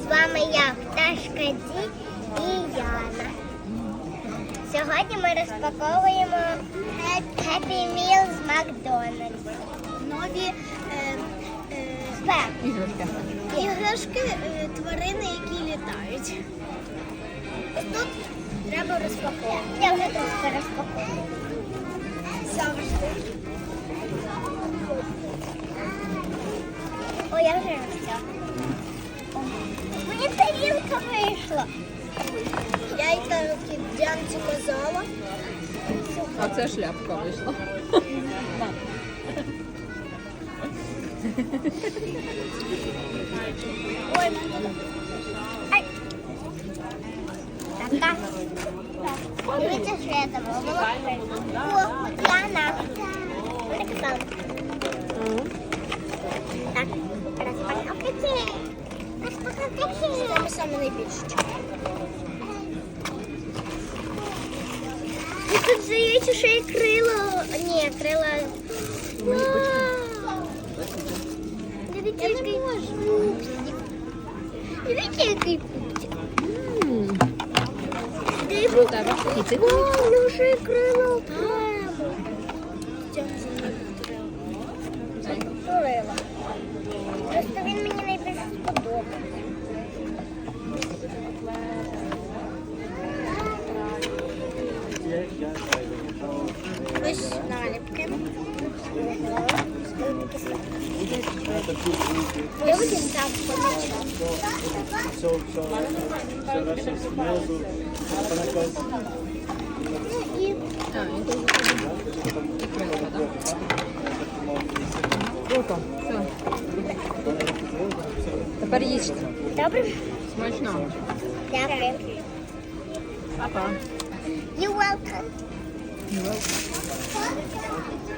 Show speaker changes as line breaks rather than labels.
вами я, Пташка Ді і Яна. Сьогодні ми розпаковуємо Happy Meal з Макдональдс. Нові іграшки, тварини, які літають. Ось тут треба розпаковувати. Я вже трошки розпаковую. Завжди. О, я вже розтягну. Мені тарілка вийшла. Я й так Діанці казала.
А це шляпка вийшла.
Ой, ай. Так. Дивіться, що я там робила. О, Діана. Вони казали. Так, розпаковки. Розпаковки. Саме найбільше. І тут здається, що є крило. Ні, крила. Дивіться, який пупсик. Дивіться, який пупсик. О, ну ще й крило окремо. Крила. Просто він мені найбільше сподобався. Ось наліпки. Люди там
Круто. Все. Тепер їсти.
Добре?
Смачно.
Дякую.
Папа.
You're welcome.
You're welcome.